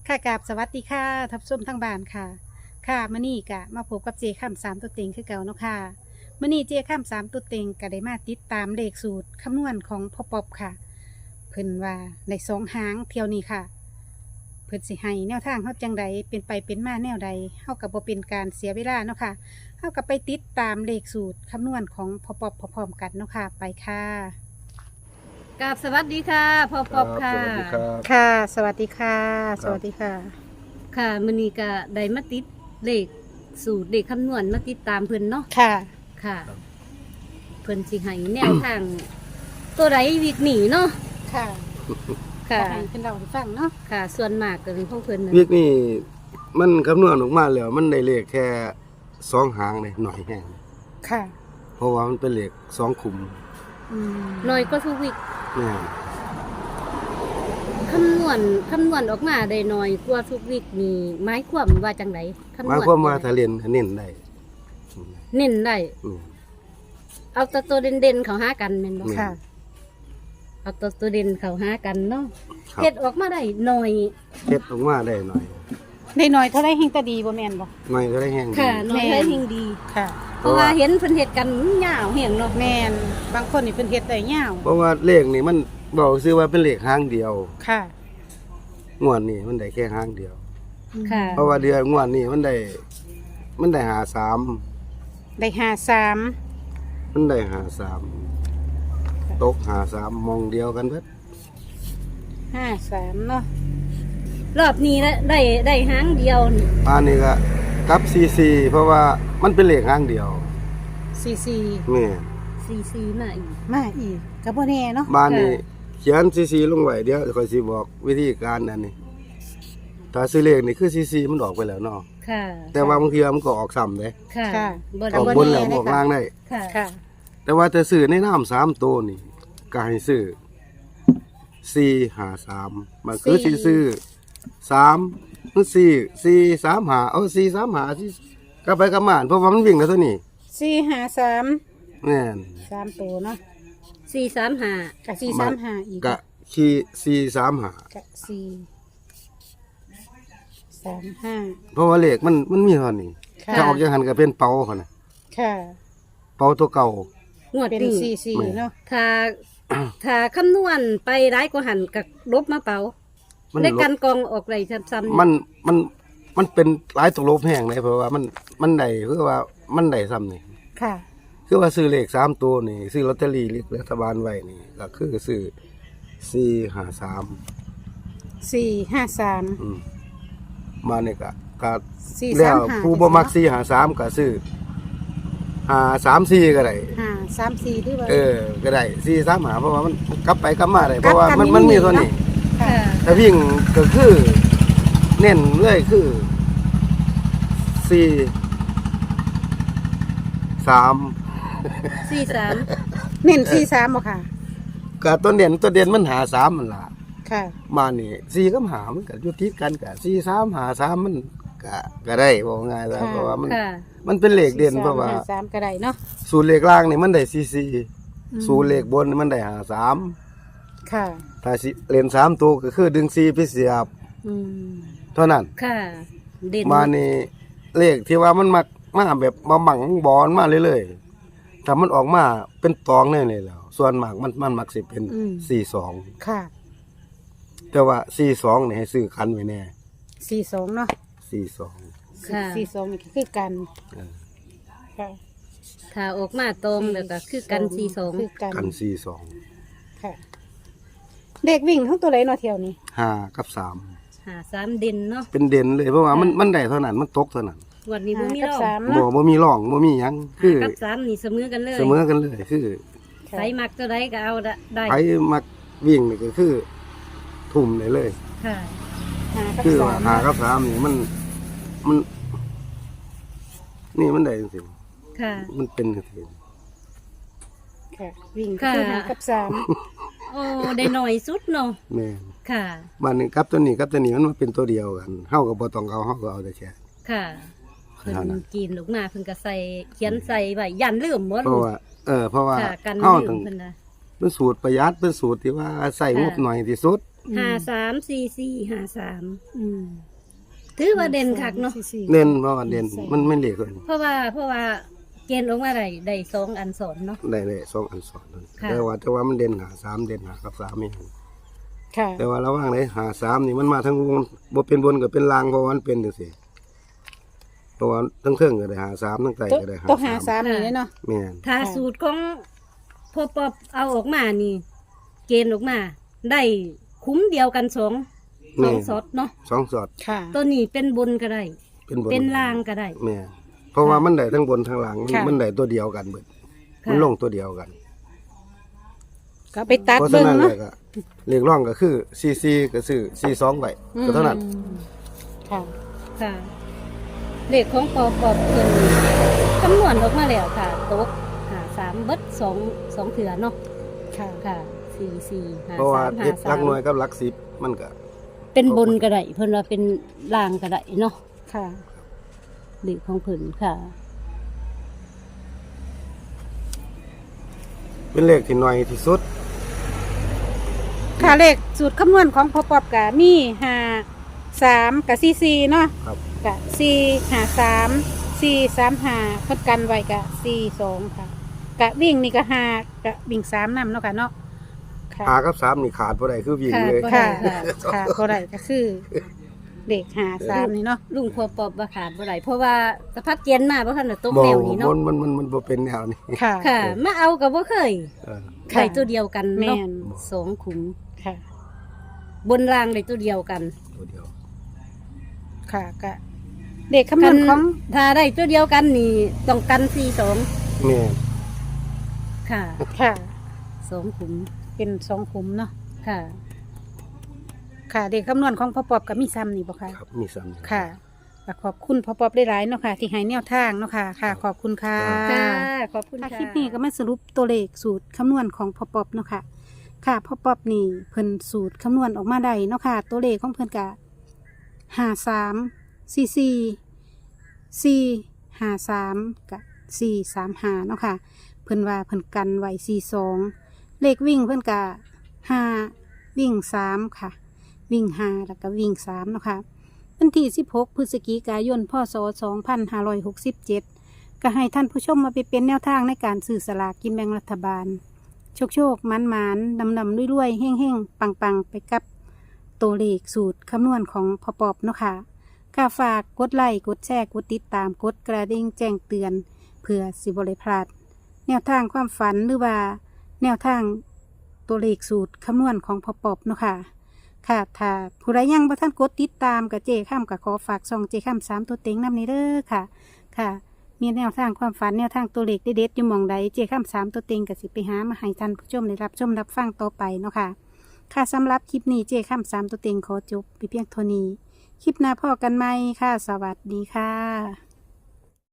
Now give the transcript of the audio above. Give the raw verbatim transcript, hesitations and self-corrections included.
ค่ะกราบสวัสดีค่ะทับส้ชมทั้งบ้านค่ะค่ะมื่อนี้กะมาพบกับเจข้ามสามตัวเต็งคือเก่าเนาะค่ะมื่อนี้เจข้ามสามตัวเต็งก็ได้มาติดตามเลขสูตรคำนวณของพ่อปอบค่ะ เพิ่นว่าในสองหางเที่ยวนี้ค่ะ เพิ่นสิให้แนวทางเฮาจังใดเป็นไปเป็นมาแนวใดเฮากับบ่เป็นการเสียเวลาเนาะค่ะเฮากับไปติดตามเลขสูตรคำนวณของพ่อปอบพร้อมๆกันเนาะค่ะไปค่ะกราบสวัสดีค่ะพ่อปอบค่ะสวัสดีครับค่ะ สวัสดีค่ะครับสวัสดีค่ะค่ะมื้อนี้ก็ได้มาติดเลขสูตรเลขคำนวณมาติดตามเพิ่นเนาะค่ะค่ะ เพิ่นสิให้แนวทาง ตัวใดวิกหนีเนาะค่ะค่ะให้เป็นเราให้ฟังเนาะค่ะ ส่วนมากก็เป็นของเพิ่นนะวิกนี่มันคำนวณออกมาแล้วมันได้เลขแค่สองหางเลยหน่อยแห้งค่ะเพราะว่ามันเป็นเลขสองขุมอืมน้อยก็ทุกวิกแม่นคำนวณคำนวณออกมาได้น้อยกว่าทุกวิกนี่หมายความว่าจังไดคำนวณหมายความว่าถ้าเรียนก็เน้นได้เน้นได้อืมเอาแต่ตัวเด่นๆเข้าหากันแม่นบ่ค่ะเอาตัวตัวเด่นเข้าหากันเนาะครับเฮ็ดออกมาได้น้อยเฮ็ดออกมาได้หน่อยได้หน่อยเท่าไรเฮงตาดีบ่แม่นบ่หน่อยก็ได้แห้งดีค่ะน้อยแม่ให้ยิ่งดีค่ะเพราะว่าเห็นเพิ่นเฮ็ดกันยาวเหี่ยงเนาะแม่นบางคนนี่เพิ่นเฮ็ดได้ยาวเพราะว่าเลขนี่มันบอกซื้อว่าเป็นเลขหางเดียวค่ะงวดนี้มันได้แค่หางเดียวค่ะเพราะว่าเดือนงวดนี้มันได้มันได้หาสามได้ห้าสามมันได้หาสามตกหาสามมองเดียวกันเพิ่นห้าสามเนาะรอบนี้ได้ได้ได้หางเดียวนี่อันนี้ก็กับซีซีเพราะว่ามันเป็นเลขหางเดียวสี่สี่แม่สี่สี่มาอีกมาอีกก็บ่แน่เนาะบ้านนี้ค่ะเขียนซีซีลงไว้เดี๋ยวค่อยสิบอกวิธีการอันนี้ถ้าซื้อเลขนี่คือซีซีมันออกไปแล้วเนาะค่ะแต่ว่าบางทีมันก็ออกซ้ำเด้ค่ะค่ะบ่อได้อกบ่บนแน่แล้วเลยออกค่ะล่างได้ค่ะค่ะแต่ว่าแต่ซื้อในน้ำสามตัวนี่ก็ให้ซื้อสี่หาสามมันคือสี่สิซื้อสามมันสี่สี่สามหาเอาสี่สามหาที่กลับไปกลับมาเพราะว่ามันวิ่งกันตัวนี้สี่ห้าสามแม่นสามตัวเนาะสี่สามห้ากับสี่สามห้าอีกกะขี่สี่สามหากับสี่สามห้าเพราะว่าเลขมันมันมีเท่านี้ค่ะถ้าออกจากหันก็เป็นเป่าเขานะค่ะเป่าตัวเก่างวดเป็นนี้สี่สี่เนาะถ้าถ้าคำนวณไปร้ายกว่าหันกับลบมาเป๋ามันได้ลกันบกองออกไรซ้ำๆมันมันมันเป็นหลายตัวลบแห้งเลยเพราะว่ามันมันได้คือว่ามันได้ซ้ำนี่ค่ะคือว่าซื้อเลขสามตัวนี่ซื้อลอตเตอรี่รัฐบาลไว้นี่ก็คือซื้อสี่หาสามสี่ห้าสามอืมมาเนี่ยก็ก็สี่แล้สามวห้าผู้บ่มักสี่หาสามก็ซื้อหาสามสี่ก็ได้ห้าสามสี่ที่ว่าเออก็ได้สี่สามหาเพราะว่ามันกลับไปกลับมาได้เพราะว่ามันกลับกันมันมีนี่เท่านี้ค่ะค่ะถ้าวิ่งก็คือเน้นเลยคือสี่สามสี่สามเน้นสี่สามบ่ค่ะกับตัวเด่นตัวเด่นมันหาสามมันล่ะค่ะมานี่สี่กับหามันก็อยู่ติดกันกับสี่สามหาสามมันก็ก็ได้บอกง่ายแล้วค่ะเพราะว่ามันค่ะมันเป็นเลขเด่นเพราะว่าสี่สมห้สามก็ได้เนาะสูตรเลขล่างนี่มันได้สี่สี่อืมสูตรเลขบนนี่มันได้หาสามค่ะถ้าสิเล่นสามตัวก็คือดึงสี่ไปเสียบอืมเท่านั้นค่ะ เด่นมานี่เลขที่ว่ามันมักมาแบบมาบังบอลมาเรื่อยๆถ้ามันออกมาเป็นตองแน่เลยแล้ว ส่วนมากมันมันมักสิเป็นสี่สองค่ะแต่ว่าสี่สองนี่ให้ซื้อคันไว้แน่สี่สองเนาะสี่สองค่ะสี่สองนี่ก็คือกันเออค่ะถ้าออกมาตรงแล้วก็คือกันสี่สองคือกันกันสี่สองค่ะ เด็กวิ่งทั้งตัวไหนเนาะเที่ยวนี้ห้ากับสามหาสามเด่นเนาะเป็นเด่นเลยเพราะว่ามันมันได้เท่านั้นมันตกเท่านั้นวันนี้บ่มีกับรอบสามบ่เนาะบ่มีร่องบ่มีหยังคือกับสามนี่เสมอกันเลยเสมอกันเลยคือค่ะใส่มักตัวใดก็เอาได้ไผมักวิ่งนี่ก็คือ ทุ่มได้เลยค่ะหากับคือสาว่าม หากับสามนี่มันมัน นี่มันได้จริงค่ะๆมันเป็นจริงค่ะ วิ่งก็คือหากับสามโอ้ได้หน่อยสุดเนาะๆแม่นค่ะบ้านนี้กับตัวนี้กับตัวนี้มันมาเป็นตัวเดียวกันเฮาก็บ่ต้องเอาเฮาก็เอาแต่แค่ค่ะเพิ่เท่านั้นนกินลูกมาเพิ่นก็ใส่เขียนใส่ไว้ยันลืมหมดเพราะว่า เออ เพราะว่าค่ะกันเฮาลืต้อมงเพิ่นน่ะเป็นสูตรประหยัดเป็นสูตรที่ว่าใส่งบค่ะหน่อยที่สุดอืมห้าสามสี่สี่ห้าสามอืมถือว่าเด่นคักเนาะสี่เน้นเพราะว่าเด่นใส่มันไม่เลขเลยเพราะว่าเพราะว่าเกณฑ์ออกมาได้ได้สองอันสอนเนาะได้เลยสองอันสอนนั่นค่ะแต่ว่าแต่ว่ามันเด่นหาสามเด่นหากับสามนี่ค่ะแต่ว่าระหว่างไหนหาสามนี่มันมาทั้งวงบ่เป็นบนก็เป็นลางเพราะว่ามันเป็นจังซี่เพราะว่าทั้งเทิงก็ได้หาสามทั้งไตตัวก็ได้หาตัวหาสามสามนี่เลยเนาะแม่นถ้าค่ะสูตรของพอปอบเอาออกมานี่ เกณฑ์ออกมา ได้คุ้มเดียวกันสองสองสอดเนาะสองสอดค่ะตัวนี้เป็นบนก็ได้เป็นบนเป็นล่างก็ได้แม่นเพราะว่ามันได้ทั้งบนทั้งล่างมันค่ะมันได้ตัวเดียวกันเบิดค่ะมันลงตัวเดียวกันก็ไปตัดเพราะเบิ่ฉะงนั้นเลเนาะยก็เลขร่องก็คือซีซีก็ซื้อซีสองไว้ก็เท่านั้นอืมค่ะค่ะ เลขของปอปอบเพิ่นคำนวณออกมาแล้วค่ะตกหาสามเบิดสองสองเถือเนาะค่ะค่ะสี่สี่หาเพราะว่าสามหาเฮ็ดหสาลัมกหน่วยกับหลักสิบมันก็เป็นบนก็ได้เพิ่นว่าเป็นล่างก็ได้เนาะค่ะเลขของเพิ่นค่ะเป็นเลขที่น้อยที่สุดค่ะเลขสูตรคำนวณของพอปอบกะมีห้าสามกับสี่สี่เนาะครับกะสี่ห้าสามสี่สามห้าพดกันไว้กะสี่สองค่ะ กะวิ่งนี่ก็ห้ากะวิ่งสามนำเนาะค่ะเนาะค่ะหากับสามนี่ขาดบ่ได้คือวิ่งขาดเลยบ่ค่ะได้ค่ะก็ได้ก็คือเด็กหาสามนี่เนาะลุงพอปอบบ่ขาดบ่ได้เพราะว่าสภาพเกณฑ์มาบ่ทันได้ตกบ่แนวนี้มัเนาะนมันมันมันบ่เป็นแนวนี้ค่ะค่ะ มาเอาก็บ่เคยเออค่ะได้ตัวเดียวกันแม่เนาะนสองขุมค่ะบนรางได้ตัวเดียวกันตัวเดียวค่ะกะเด็กคำนวณของถ้าได้ตัวเดียวกันนี่ต้องกันสี่สองแม่นค่ะค่ะสองขุมเป็นสองขุมเนาะค่ะค่ะ เด็กคำนวณของพ่อปอบกับมีซ้ำนี่บ่ค่ะครับมีซ้ำค่ะก็ขอบคุณพ่อปอบได้หลายๆเนาะค่ะ ที่ให้แนวทางเนาะค่ะ ค่ะ ขอบคุณค่ะค่ะ ขอบคุณค่ะค่ะคลิปนี้ก็มาสรุปตัวเลขสูตรคำนวณของพ่อปอบเนาะค่ะ ค่ะพ่อปอบนี่เพิ่นสูตรคำนวณออกมาได้เนาะค่ะ ตัวเลขของเพิ่นกะห้าสามสี่สี่สี่ห้าสามกับสี่สามห้าเนาะค่ะ เพิ่นว่าเพิ่นกันไว้สี่สองเลขวิ่งเพิ่นกะห้าวิ่งสามค่ะ วิ่งห้าแล้วก็วิ่งสามเนาะค่ะวันที่สิบหกพฤศจิกายนพศสองพันห้าร้อยหกสิบเจ็ดก็ให้ท่านผู้ชมมาไปเป็นแนวทางในการสื่อสลากกินแบ่งรัฐบาล โชคโชคมันมันดำดำรวยๆเฮ่งเฮ่งปังปังไปกับตัวเลขสูตรคำนวณของพอปอบเนาะค่ะก็ฝากกดไลค์กดแชร์กดติดตามกดกระดิ่งแจ้งเตือน เพื่อสิบริพลาดแนวทางความฝันหรือว่าแนวทางตัวเลขสูตรคำนวณของพอปอบเนาะค่ะ ค่ะถ้าผู้ใดยังบ่ท่านกดติดตามกับเจข้ามกับขอฝากซองเจข้ามสามตัวเต็งนำนี้เด้อค่ะ ค่ะ มีแนวทางความฝันแนวทางตัวเลขเด็ดๆอยู่หมองใดเจข้ามสามตัวเต็งกับสิไปหามาให้ท่านผู้ชมได้รับชมรับฟังต่อไปเนาะค่ะ ค่ะสำหรับคลิปนี้เจข้ามสามตัวเต็งขอจบไปเพียงเท่านี้ คลิปหน้าพ่อกันไหมค่ะ สวัสดีค่ะ